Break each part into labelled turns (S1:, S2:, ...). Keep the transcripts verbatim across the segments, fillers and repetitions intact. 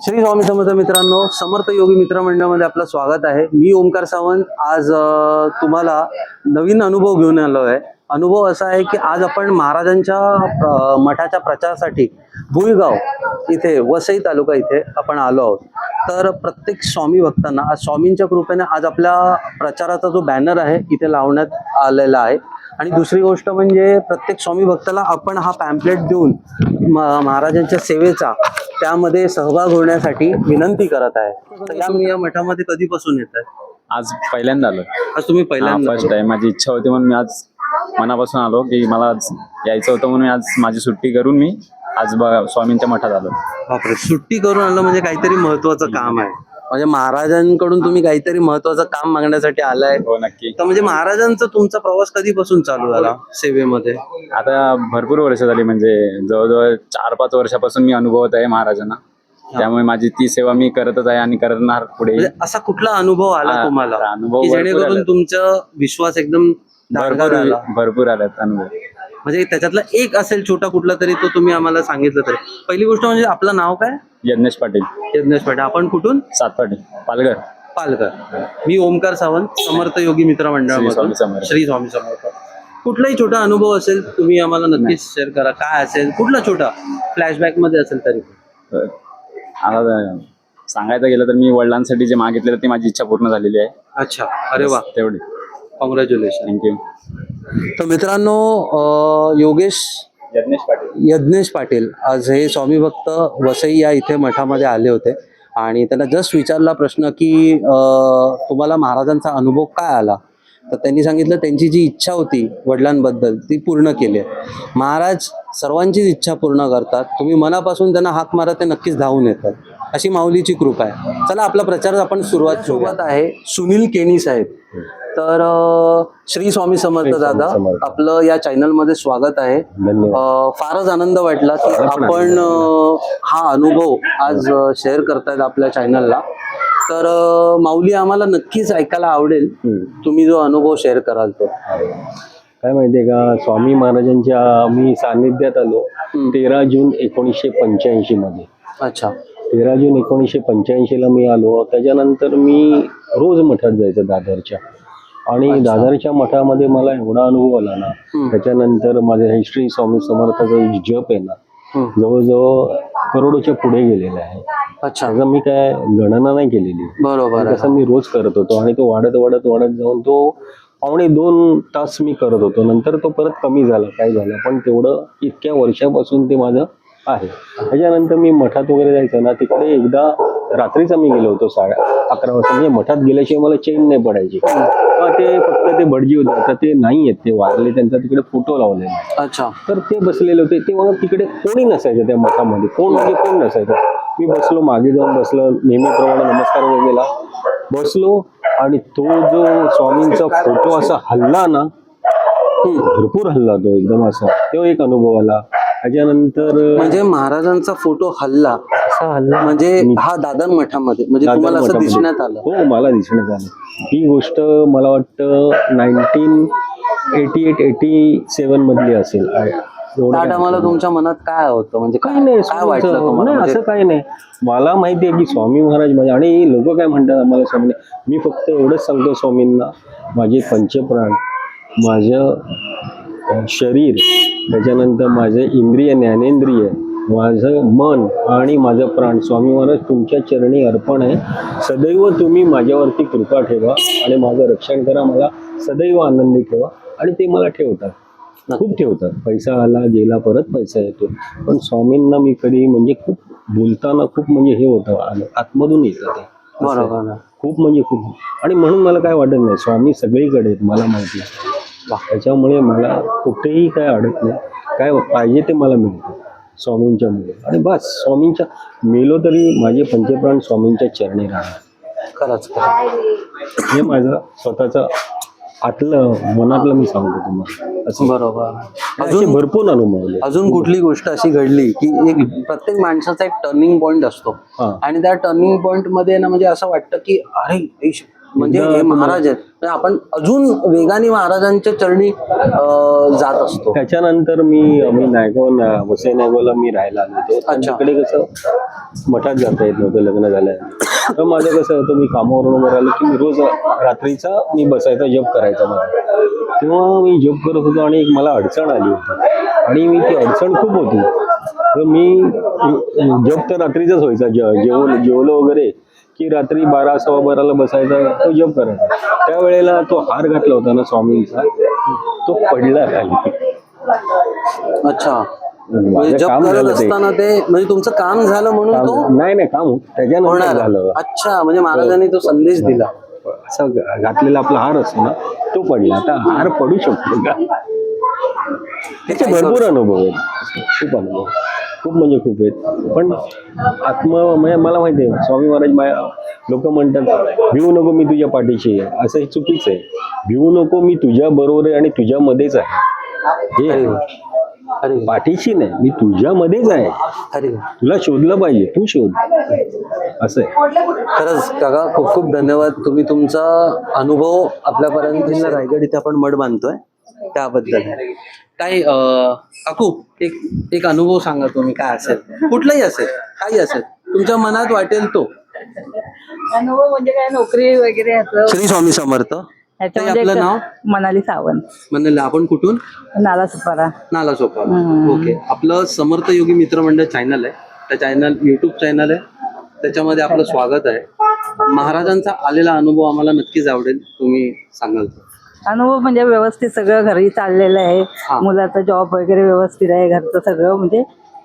S1: श्री स्वामी समर्थ मित्रांनो, समर्थ योगी मित्र मंडळामध्ये आपलं स्वागत आहे। मी ओमकार सावंत आज तुम्हाला नवीन अनुभव घेऊन आलो आहे। अनुभव असा आहे की आज आपण महाराजांच्या मठाच्या प्रचारासाठी भुईगाव इथे वसई तालुका इथे आपण आलो आहोत। तर प्रत्येक स्वामी भक्तांना आज स्वामींच्या कृपेने आज आपल्या प्रचाराचा जो बॅनर आहे इथे लावण्यात आलेला आहे। आणि दुसरी गोष्ट म्हणजे प्रत्येक स्वामी भक्ताला आपण हा पॅम्पलेट देऊन महाराजांच्या सेवेचा त्यामध्ये सहभाग होण्यासाठी विनंती करत आहे। तर या मी या मठामध्ये कधीपासून येत आहे?
S2: आज पहिल्यांदा आलो।
S1: आज तुम्ही पहिल्यांदा?
S2: First time. माझी इच्छा होती म्हणून मी आज मनापासून आलो की मला आज यायचं होतं म्हणून आज माझी सुट्टी करून मी आज स्वामींच्या मठात आलो।
S1: बापरे, सुट्टी करून आलं म्हणजे काहीतरी महत्वाचं काम आहे। म्हणजे महाराजांकडून तुम्ही काहीतरी महत्वाचं काम मागण्यासाठी आलाय?
S2: हो नक्की।
S1: तर म्हणजे महाराजांचा तुमचा प्रवास कधीपासून चालू झाला सेवेमध्ये?
S2: आता भरपूर वर्ष झाली, म्हणजे जवळजवळ चार पाच वर्षापासून मी अनुभवत आहे महाराजांना, त्यामुळे माझी ती सेवा मी करतच आहे आणि करणार पुढे।
S1: असा कुठला अनुभव आला तुम्हाला
S2: अनुभव
S1: की जेणेकरून तुमचा विश्वास एकदम
S2: भरपूर भरपूर आलात अनुभव?
S1: म्हणजे त्याच्यातला एक असेल छोटा कुठला तरी, तो तुम्ही आम्हाला सांगितलं तरी। पहिली गोष्ट म्हणजे आपलं नाव काय?
S2: यज्ञेश पाटील।
S1: यज्ञेश पाटील। आपण कुठून?
S2: सातपाटी, पालघर।
S1: पालघर। मी ओमकार सावंत, समर्थ योगी मित्र मंडळामधून। श्री स्वामी समर्थ। कुठलाही छोटा अनुभव असेल तुम्ही आम्हाला नक्कीच शेअर करा। काय असेल, कुठला छोटा फ्लॅशबॅक मध्ये असेल तरी?
S2: आता सांगायचं गेलं तर मी वडिलांसाठी जे मागितलेलं ती माझी इच्छा पूर्ण झालेली आहे।
S1: अच्छा, अरे वा,
S2: तेवढी।
S1: कॉंग्रॅच्युलेशन।
S2: थँक्यू।
S1: तर मित्रांनो, योगेश
S2: यज्ञेश पाटील
S1: यज्ञेश पाटील आज हे स्वामी भक्त वसई या इथे मठामध्ये आले होते आणि त्यांना जस्ट विचारला प्रश्न की तुम्हाला महाराजांचा अनुभव काय आला, तर त्यांनी सांगितलं त्यांची जी इच्छा होती वडिलांबद्दल ती पूर्ण केली आहे। महाराज सर्वांचीच इच्छा पूर्ण करतात, तुम्ही मनापासून त्यांना हाक मारा ते नक्कीच धावून येतात, अशी माऊलीची कृपा आहे। चला आपला प्रचार आपण सुरुवात सोबत आहे सुनील केणी साहेब। तर श्री स्वामी समर्थ दादा, आपलं या चॅनल मध्ये स्वागत आहे। फारच आनंद वाटला की आपण हा अनुभव आज शेअर करतायत आपल्या चॅनलला। तर माऊली, आम्हाला नक्कीच ऐकायला आवडेल तुम्ही जो अनुभव शेअर कराल तो।
S3: काय माहितीये का, स्वामी महाराजांच्या मी सानिध्यात आलो तेरा जून एकोणीसशे पंच्याऐंशी मध्ये।
S1: अच्छा,
S3: तेरा जून एकोणीसशे पंच्याऐंशी ला मी आलो। त्याच्यानंतर मी रोज मठात जायचं दादरच्या, आणि दादरच्या मठामध्ये मला एवढा अनुभव आला ना, त्याच्यानंतर माझ्या हिस्ट्री स्वामी समर्थाचा जप आहे ना जवळजवळ करोडोच्या पुढे गेलेला आहे।
S1: अच्छा,
S3: त्याचा मी काय गणना नाही केलेली,
S1: बरोबर,
S3: तसं मी रोज करत होतो आणि तो वाढत वाढत वाढत जाऊन तो पावणे दोन तास मी करत होतो। नंतर तो परत कमी झाला, काय झालं, पण तेवढं इतक्या वर्षापासून ते माझं आहे। त्याच्यानंतर मी मठात वगैरे जायचं ना, तिकडे एकदा रात्रीचा मी गेलो होतो साडे अकरा वाजता। म्हणजे मठात गेल्याशिवाय मला चेन नाही पडायची। ते फक्त ते भटजी होते, तर ते नाही आहेत, ते वारले, त्यांचा तिकडे फोटो लावलेला।
S1: अच्छा,
S3: तर ते बसलेले होते, ते मग तिकडे कोणी नसायचं त्या मठामध्ये, कोण म्हणजे कोण नसायचं। मी बसलो, मागे जाऊन बसलो, नेहमीप्रमाणे नमस्कार वगैरे बसलो, आणि तो जो स्वामींचा फोटो असा हल्ला ना, भरपूर हल्ला तो एकदम असा, तो एक अनुभव आला। त्याच्यानंतर
S1: म्हणजे महाराजांचा फोटो हल्ला
S3: असा हल्ला
S1: म्हणजे हा दादर मठामध्ये, म्हणजे तुम्हाला असं दिसण्यात आलं?
S3: हो, मला दिसण्यात आलं। ही गोष्ट मला वाटतं nineteen eighty eight eighty seven मधली असेल।
S1: त्या टायमाला तुमच्या मनात काय होतं, म्हणजे
S3: काही नाही,
S1: काय वाटलं तुम्हाला?
S3: नाही, असं काही नाही, मला माहिती आहे की स्वामी महाराज माझे, आणि लोक काय म्हणतात आम्हाला स्वामी, मी फक्त एवढंच सांगतो स्वामींना, माझे पंचप्राण, माझं शरीर, त्याच्यानंतर माझे इंद्रिय ज्ञानेंद्रिय, माझं मन आणि माझं प्राण स्वामी महाराज तुमच्या चरणी अर्पण आहे। सदैव तुम्ही माझ्यावरती कृपा ठेवा आणि माझं रक्षण करा, मला सदैव आनंदी ठेवा। आणि ते मला ठेवतात, खूप ठेवतात। पैसा आला गेला, परत पैसा येतो, पण स्वामींना मी कधी म्हणजे खूप बोलताना खूप म्हणजे हे होतं, आतमधून येतं ते,
S1: बरोबर,
S3: खूप म्हणजे खूप। आणि म्हणून मला काय वाटत नाही, स्वामी सगळीकडे आहेत, मला माहिती आहे। त्याच्यामुळे मला कुठेही काय अडत नाही, काय पाहिजे ते मला मिळतं स्वामींच्या मुळे। आणि बस, स्वामींच्या मेलो तरी माझे पंचप्राण स्वामींच्या चरणी राहणार।
S1: खरंच,
S3: हे माझं स्वतःचं आतलं मनातलं मी सांगतो तुम्हाला असं।
S1: बरोबर।
S3: अजून भरपूर अनुभवले।
S1: अजून कुठली गोष्ट अशी घडली की एक प्रत्येक माणसाचा एक टर्निंग पॉइंट असतो, आणि त्या टर्निंग पॉइंट मध्ये ना म्हणजे असं वाटतं की अरे म्हणजे हे महाराज आहेत म्हणजे आपण अजून वेगाने महाराजांच्या चरणी अं, जात असतो.
S3: त्याच्यानंतर मी मी नायगाव वसई नायगावला मी राहायला आलो होतो. त्यांच्याकडे कसं मठात जाता येत नव्हतं लग्न झालं. तर माझं कसं होतं, मी कामावरून वगैरे आलो की मी रोज रात्रीचा मी बसायचा जप करायचा माझा. तेव्हा मी जप करत होतो आणि एक मला अडचण आली होती आणि मी ती अडचण खूप होती. तर मी जप तर रात्रीचाच व्हायचा, जे जेवलो जेवलो वगैरे की रात्री बारा सव्वा बाराला बसायचा, तो जप करायचा. त्यावेळेला तो हार घातला होता ना स्वामींचा, तो पडला खाली.
S1: अच्छा, म्हणजे
S3: माझं
S1: जप
S3: काम
S1: करत
S3: झालं ते.
S1: असताना ते म्हणजे तुमचं काम झालं म्हणून तो
S3: काम- नाही नाही काम त्याच्यानंतर
S1: होणार.
S3: झालं.
S1: अच्छा, म्हणजे महाराजांनी तो संदेश दिला.
S3: असं घातलेला आपला हार असतो ना, तो पडला. आता हार पडू शकतो का? त्याचे भरपूर अनुभव आहेत, खूप अनुभव, खूप म्हणजे खूप आहेत. पण आत्म म्हणजे मला माहिती आहे, स्वामी महाराज लोक म्हणतात भिवू नको मी तुझ्या पाठीशी आहे, असं हे चुकीचं आहे. भिवू नको मी तुझ्या बरोबर आहे आणि तुझ्यामध्येच आहे. हे
S1: अरे
S3: पाठीशी नाही, मी तुझ्यामध्येच आहे.
S1: अरे
S3: तुला शोधलं पाहिजे, तू शोध, असं आहे.
S1: खरंच काका, खूप खूप धन्यवाद. तुम्ही तुमचा अनुभव आपल्यापर्यंत रायगड इथे आपण मठ बांधतोय त्याबद्दल काय अं, काकू एक एक अनुभव सांगा तुम्ही, काय असेल, कुठलाही असेल, काही असेल तुमच्या मनात वाटेल तो.
S4: अनुभव म्हणजे काय, नोकरी वगैरे ह्याचं
S1: श्री स्वामी समर्थ.
S4: ह्याच्यामध्ये
S1: आपलं
S4: एक-
S1: नाव?
S4: मनाली सावंत,
S1: म्हणलं आपण कुठून?
S4: नाला सुपारा.
S1: नाला सोपारा.
S4: हम्म.
S1: ओके. आपलं समर्थ योगी मित्रमंडळ चॅनल आहे, त्या चॅनल युट्यूब चॅनल आहे, त्याच्यामध्ये आपलं स्वागत आहे. महाराजांचा आलेला अनुभव आम्हाला नक्कीच आवडेल, तुम्ही सांगाल तर.
S4: अनुभव म्हणजे व्यवस्थित सगळं घरी चाललेलं आहे.
S1: हा.
S4: मुलाचा जॉब वगैरे व्यवस्थित आहे, घरचं सगळं म्हणजे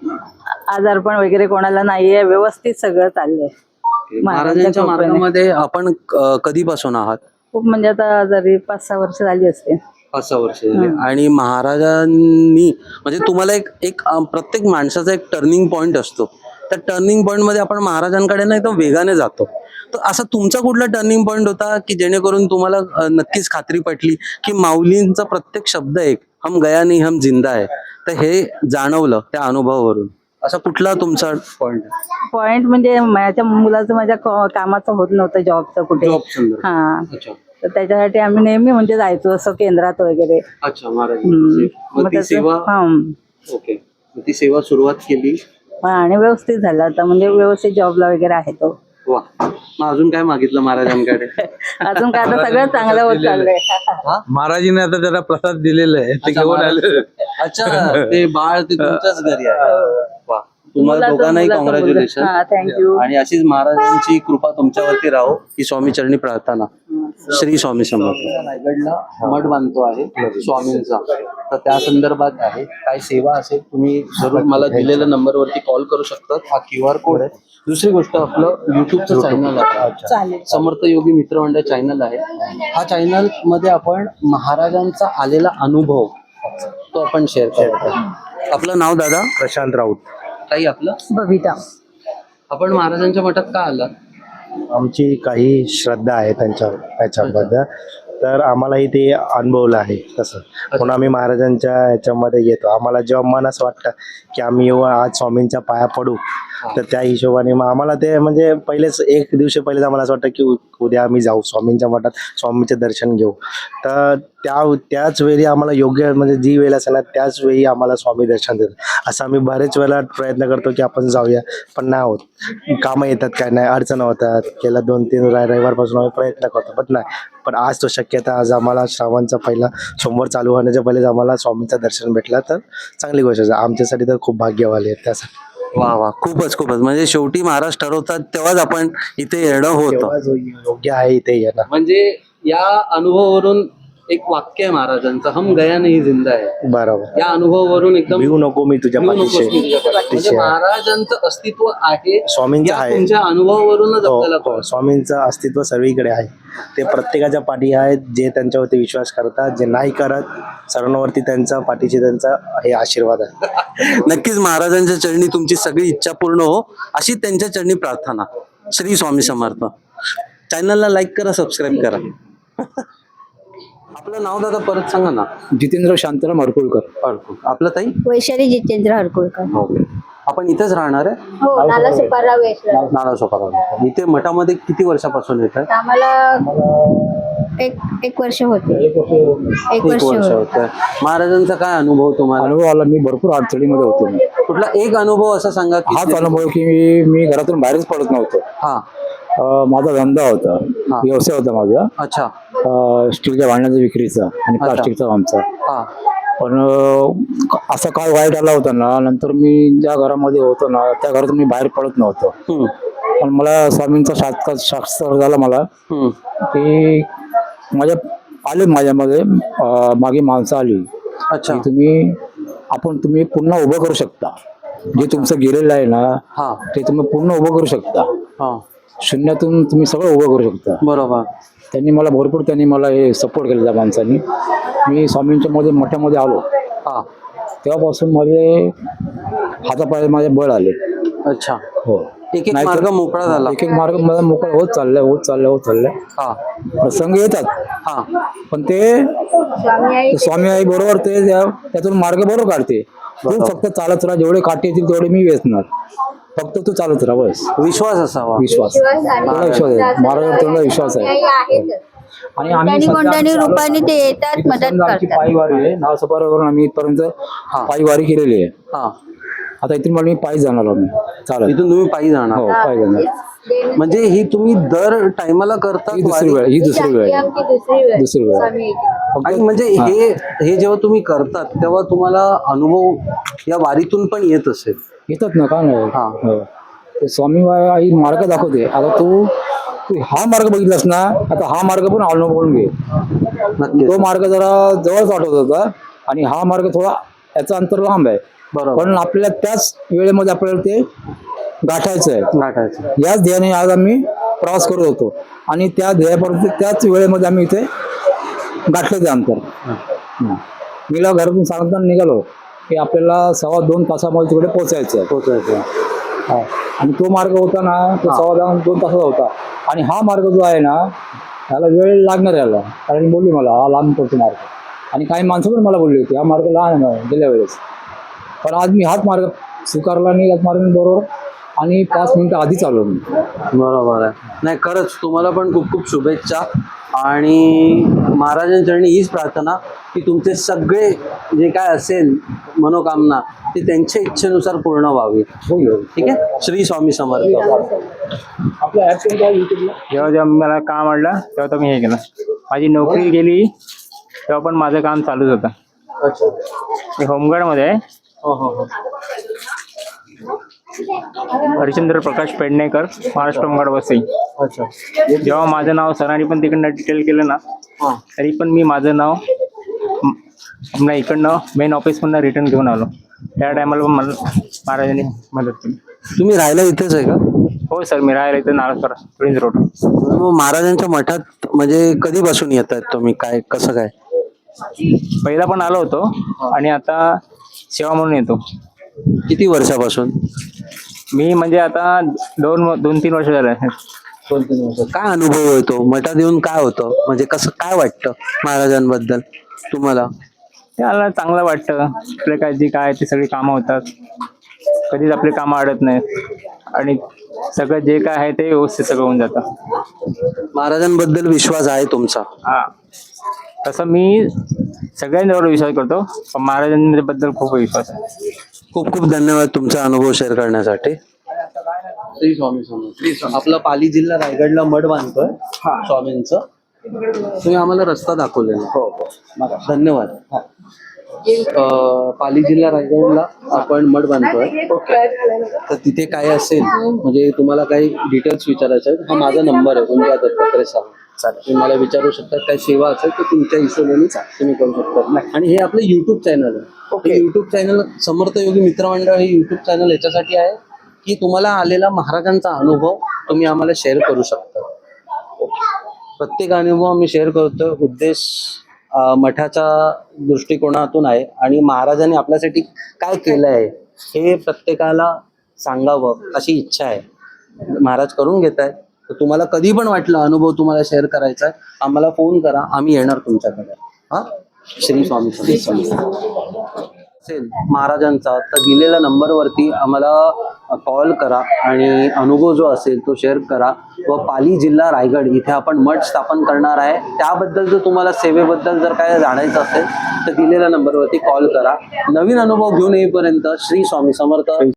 S4: आजारपण वगैरे कोणाला नाहीये, व्यवस्थित सगळं चाललंय.
S1: महाराजांच्या
S4: कृपेने.
S1: मार्गामध्ये आपण अं, कधीपासून आहात?
S4: खूप म्हणजे आता जरी पाच सहा वर्ष झाली असते.
S1: पाच सहा वर्ष झाले. आणि महाराजांनी म्हणजे तुम्हाला एक एक अं, प्रत्येक माणसाचा एक टर्निंग पॉईंट असतो, त्या टर्निंग पॉईंट मध्ये आपण महाराजांकडे ना एकदम वेगाने जातो. तर असा तुमचा कुठला टर्निंग पॉईंट होता की जेणेकरून तुम्हाला अं, नक्कीच खात्री पटली की माऊलींचा प्रत्येक शब्द एक हम गया नहीं हम जिंदा आहे, तर हे जाणवलं त्या अनुभवावरून? असा कुठला तुमचा पॉईंट?
S4: पॉइंट म्हणजे माझ्या मुलाचं माझ्या क- कामाचं होत नव्हतं, जॉबचं कुठे.
S1: जॉब संदर्भ.
S4: हा,
S1: अच्छा
S4: तर त्याच्यासाठी आम्ही नेहमी म्हणजे जायचो असं केंद्रात वगैरे.
S1: अच्छा, महाराज.
S4: हम्म.
S1: मग
S4: मग
S1: ती
S4: त्याचं-
S1: सेवा.
S4: हा.
S1: ओके. मग ती सेवा सुरुवात केली.
S4: हा, आणि व्यवस्थित झालं आता, म्हणजे व्यवस्थित जॉबला वगैरे आहे तो.
S1: वा. मग अजून काय मागितलं महाराजांकडे?
S4: अजून काय, आता सगळं चांगलं होत चाललंय.
S5: महाराजीने आता त्याला प्रसाद दिलेला आहे, ते
S1: अच्छा,
S5: घेऊन
S1: महाराज.
S5: आले.
S1: अच्छा, ते बाळ ते तुमच्याच घरी आहे. वा. तुम्हाला
S4: मुलाचं-
S1: दोघांनाही
S4: मुलाचं मुलगा.
S1: कॉंग्रॅच्युलेशन.
S4: हा, थँक्यू.
S1: आणि अशीच महाराजांची कृपा तुमच्यावरती राहो ही स्वामी चरणी प्रार्थना. श्री स्वामी समर्थ. रायगडला मठ बांधतो आहे स्वामींचा, तर त्या संदर्भात आहे काय सेवा असेल तुम्ही जरूर मला दिलेल्या नंबरवरती कॉल करू शकता. हा क्यू आर कोड आहे. दुसरी गोष्ट, आपलं युट्यूबचं चॅनल आहे,
S4: चालेल.
S1: समर्थ योगी मित्रमंडळ चॅनल आहे. हा चॅनल मध्ये आपण महाराजांचा आलेला अनुभव तो आपण शेअर करतो. आपलं नाव दादा?
S5: प्रशांत राऊत.
S1: ताई आपलं?
S4: बबिता.
S1: आपण महाराजांच्या मठात का आला?
S5: आमची काही श्रद्धा आहे त्यांच्या त्याच्याबद्दल, तर आम्हालाही ते अनुभवलं आहे तसं, म्हणून आम्ही महाराजांच्या ह्याच्यामध्ये येतो. आम्हाला जेव्हा मन असं वाटतं की आम्ही येऊ आज स्वामींच्या पाया पडू, तर त्या हिशोबाने मग आम्हाला ते म्हणजे पहिलेच एक दिवशी पहिलेच आम्हाला असं वाटतं की उ- उद्या आम्ही जाऊ स्वामींच्या मठात, स्वामींचे दर्शन घेऊ. तर त्या त्याच वेळी आम्हाला योग्य म्हणजे जी वेळ असेल ना त्याच वेळी आम्हाला स्वामी दर्शन देतात. असं आम्ही बरेच वेळेला प्रयत्न करतो की आपण जाऊया, पण नाही होत. कामं येतात, काय नाही, अडचण होतात. गेल्या दोन तीन रा- रविवारपासून आम्ही प्रयत्न करतो, पण नाही. पण आज तो शक्यता, आज आम्हाला श्रावणचा पहिला सोमवार चालू होण्याच्या पहिलेच आम्हाला स्वामींचं दर्शन भेटलं, तर चांगली गोष्ट आहे. आमच्यासाठी तर खूप भाग्यवाली आहे त्यासाठी.
S1: वा वा, खूपच खूपच. म्हणजे शेवटी महाराज ठरवतात तेव्हाच आपण इथे येणं होतं.
S5: तेव्हा जो योग्य आहे इथे येणं.
S1: म्हणजे या अनुभवावरून एक वाक्य आहे महाराजांचं, हम गया नहीं जिंदा आहे.
S5: बरोबर.
S1: या अनुभवावरून एकदम
S5: भिवू नको मी तुझ्या
S1: भिवू नकोस
S5: पाठीशी.
S1: मी तुझ्या पाठीशी. म्हणजे
S5: पाठीशी आहे.
S1: महाराजांचं अस्तित्व आहे
S5: स्वामींचं
S1: या
S5: आहे.
S1: तुमच्या अनुभवावरूनच
S5: हो,
S1: आपल्याला
S5: हो.
S1: कळतं.
S5: स्वामींचं अस्तित्व सर्वीकडे आहे. ते प्रत्येकाच्या पाठी आहेत, जे त्यांच्यावरती विश्वास करतात, जे नाही करत सर्वांवरती त्यांचा पाठीशी त्यांचा हे आशीर्वाद आहे.
S1: नक्कीच महाराजांच्या चरणी तुमची सगळी इच्छा पूर्ण हो अशी त्यांच्या चरणी प्रार्थना. श्री स्वामी समर्थ. चॅनलला लाईक करा, सबस्क्राईब करा. आपलं नाव दादा परत सांगा ना.
S6: जितेंद्र शांताराम हरकुळकर.
S1: आपलं ताई?
S7: वैशाली जितेंद्र हरकुळकर.
S1: ओके. आपण इथेच राहणार आहे?
S6: हो, नाला सुपाराव वेशला.
S1: नाना सोपारा. इथे मठामध्ये किती वर्षापासून येत आहे?
S6: आम्हाला एक एक वर्ष होते एक
S1: एक
S6: वर्ष
S1: वर्ष
S6: होते.
S1: होत आहे. महाराजांचा काय अनुभव तुम्हाला?
S7: अनुभव आला, मी भरपूर अडचणीमध्ये होतो.
S1: कुठला एक अनुभव असा सांगा की
S7: हाच अनुभव की मी मी घरातून बाहेरच पडत नव्हतो.
S1: हा.
S7: अं, माझा धंदा होता, व्यवसाय होता माझा,
S1: अच्छा.
S7: अं, स्टीलच्या भांड्याचा विक्रीचा आणि प्लास्टिकचा आमचा.
S1: हा.
S7: पण अं, असा काळ वाईट आला होता ना, नंतर मी ज्या घरामध्ये होतो ना त्या घरातून मी बाहेर पडत नव्हतो.
S1: हम्म.
S7: पण मला स्वामींचा साक्षात साक्षात्कार झाला मला
S1: हम्म.
S7: की माझ्या आले माझ्यामध्ये अं, मागे माणसं आली
S1: अच्छा.
S7: की तुम्ही आपण तुम्ही पुन्हा उभं करू शकता. जे तुमचं गेलेलं आहे ना
S1: हा.
S7: ते तुम्ही पूर्ण उभं करू शकता.
S1: हा.
S7: शून्यातून तुम्ही सगळं उभं करू शकता.
S1: बरोबर.
S7: त्यांनी मला भरपूर त्यांनी मला हे सपोर्ट केलं त्या माणसांनी. मी स्वामींच्या मध्ये मोठ्यामध्ये आलो
S1: हा.
S7: तेव्हापासून माझे हातापाय माझे बळ आले.
S1: अच्छा.
S7: हो.
S1: एक एक
S7: नाहीतर-
S1: मार्ग मोकळा झाला.
S7: एक एक मार्ग मला मोकळा होत चाललाय होत चाललाय होत चाललाय.
S1: हा.
S7: प्रसंग येतात
S1: हा.
S7: पण ते
S6: स्वामी आई
S7: स्वामी आई बरोबर ते त्या- त्यातून मार्ग बरोबर काढते. तू फक्त चालत राहा, जेवढे काटे येतील तेवढे मी वेचणार. फक्त तू चालत राहा बस.
S1: विश्वास असावा.
S7: विश्वास
S6: विश्वास आणि
S7: तेवढा विश्वास आहे. महाराजांवर तेवढा विश्वास आहे.
S6: आई आहेतच.
S7: आणि आम्ही
S6: कोणत्यानी
S7: सध्या
S6: कोणत्यानी
S7: आमचं
S6: रूपाने ते येतात,
S7: इथं
S6: मदत
S7: समजा आमची
S6: करतात.
S7: पायवारी आहे. नाव सपारावरून आम्ही इथपर्यंत पायवारी केलेली आहे.
S1: हा.
S7: आता इथून मला मी पायी जाणार आम्ही चालत.
S1: इथून तुम्ही पायी जाणार.
S7: हो पायी जाणार.
S1: म्हणजे ही तुम्ही दर टायमाला करता
S7: ही दुसरी वेळ ही दुसरी वेळ
S6: ही
S7: आहे.
S6: आमची दुसरी वेळ
S7: दुसरी वेळ.
S6: स्वामी आईची.
S1: आणि
S7: फक्त
S1: म्हणजे हे हे जेव्हा तुम्ही करतात तेव्हा तुम्हाला अनुभव या वारीतून पण येत असेल.
S7: येतात ना का नाही
S1: हा.
S7: हो. ते स्वामी आई मार्ग दाखवते. आता तू तू हा मार्ग बघितलास ना, आता हा मार्ग पण अवलंबून घे.
S1: नक्की.
S7: तो मार्ग जरा जवळच वाटत होता आणि हा मार्ग थोडा याचा अंतर लांब आहे.
S1: बरोबर.
S7: पण आपल्याला त्याच वेळेमध्ये आपल्याला ते गाठायचं आहे.
S1: गाठायचं.
S7: याच ध्येयाने आज आम्ही प्रवास करत होतो आणि त्या ध्येयापर्यंत त्याच वेळेमध्ये आम्ही इथे गाठलं ते अंतर. हं. मी ला घरातून सांगताना निघालो की आपल्याला सव्वा दोन तासामध्ये तिकडे पोहोचायचं आहे.
S1: पोहोचायचं.
S7: हा. आणि तो मार्ग होता ना तो सव्वा दोन दोन तासाचा होता. आणि हा मार्ग जो आहे ना त्याला वेळ लागणार याला, कारण बोलली मला हा लांब पडतो मार्ग. आणि काही माणसं पण मला बोलली होती हा मार्ग लहान आहे गेल्या वेळेस. पण आज मी हाच मार्ग स्वीकारला आणि याच मार्ग बरोबर आणि पाच मिनिटं आधीच आलो मी.
S1: बरोबर आहे. नाही खरंच तुम्हाला पण खूप खूप शुभेच्छा. आणि महाराजांचरणी हीच प्रार्थना की तुमचे सगळे जे काय असेल मनोकामना ती त्यांच्या इच्छेनुसार पूर्ण व्हावी. ठीक आहे. श्री स्वामी समर्थ.
S7: आपल्या ॲप कोणता आहे युट्यूबला?
S8: जेव्हा जेव्हा मला काम आणलं तेव्हा तर मी हे केलं. माझी नोकरी गेली तेव्हा पण माझं काम चालूच होतं.
S1: अच्छा.
S8: मी होमगार्डमध्ये आहे.
S1: हो हो हो.
S8: हरिश्चंद्र प्रकाश पेडणेकर, महाराष्ट्र होमगार्ड वसई.
S1: अच्छा.
S8: जेव्हा माझं नाव सरांनी पण तिकडनं डिटेल केलं ना
S1: हां.
S8: तरी पण मी माझं नाव म- पुन्हा इकडनं मेन ऑफिसमधनं रिटर्न घेऊन आलो. त्या टायमाला पण मला महाराजांनी मदत केली.
S1: तुम्ही राहायला इथेच आहे का?
S8: हो सर, मी राहायला इथं नारळकर प्रिन्स रोड.
S1: मग महाराजांच्या मठात म्हणजे कधीपासून येत आहेत तुम्ही? काय कसं काय?
S8: पहिला पण आलो होतो आणि आता सेवा म्हणून येतो.
S1: किती वर्षापासून?
S8: मी म्हणजे आता दोन दोन तीन वर्ष झाले.
S1: दोन तीन वर्ष. काय अनुभव येतो मठात येऊन? काय होतं म्हणजे कसं काय वाटतं महाराजांबद्दल तुम्हाला?
S8: त्याला चांगलं वाटतं. आपले काय जी काय ते सगळी कामं होतात. कधीच आपली कामं अडत नाहीत आणि सगळं जे काय आहे ते व्यवस्थित सगळं होऊन जातं.
S1: महाराजांबद्दल विश्वास आहे तुमचा?
S8: हा, तसं मी सगळ्यांवर विश्वास करतो पण महाराजांबद्दल खूप विश्वास आहे.
S1: खूप खूप धन्यवाद तुमचा अनुभव शेअर करण्यासाठी. श्री स्वामी समर्थ. आपला पाली जिल्हा रायगडला मठ बांधतोय स्वामींचं. तुम्ही आम्हाला रस्ता दाखवलेला. हो हो. धन्यवाद. अं, पाली जिल्हा रायगडला आपण मठ बांधतोय. तर तिथे काय असेल म्हणजे तुम्हाला काही डिटेल्स विचारायचे आहेत, हा माझा नंबर आहे. कोणत्या दत्तात्रय साहेब चालेल, तुम्ही मला विचारू शकता. काही सेवा असेल तर तुमच्या हिशोबाने तुम्ही करू शकता. आणि हे आपलं युट्यूब चॅनल आहे. Okay. YouTube channel Samarth Yogi मित्रमंडळ हे युट्यूब चॅनल याच्यासाठी आहे की तुम्हाला आलेला महाराजांचा अनुभव तुम्ही आम्हाला शेअर करू शकता. प्रत्येक अनुभव आम्ही शेअर करतो. उद्देश अं, मठाच्या दृष्टिकोनातून आहे आणि महाराजांनी आपल्यासाठी काय केलं आहे हे प्रत्येकाला सांगावं अशी इच्छा आहे. महाराज करून घेत आहे. तर तुम्हाला कधी पण वाटलं अनुभव तुम्हाला शेअर करायचा आहे, आम्हाला फोन करा, आम्ही येणार तुमच्याकडे. हा. श्री स्वामी समर्थ. असेल महाराजांचा तर दिलेल्या नंबरवरती आम्हाला कॉल करा आणि अनुभव जो असेल तो शेअर करा. व पाली जिल्हा रायगड इथे आपण मठ स्थापन करणार आहे, त्याबद्दल जर तुम्हाला सेवेबद्दल जर काय जाणायचं असेल तर दिलेल्या नंबरवरती कॉल करा. नवीन अनुभव घेऊन येईपर्यंत श्री स्वामी समर्थ.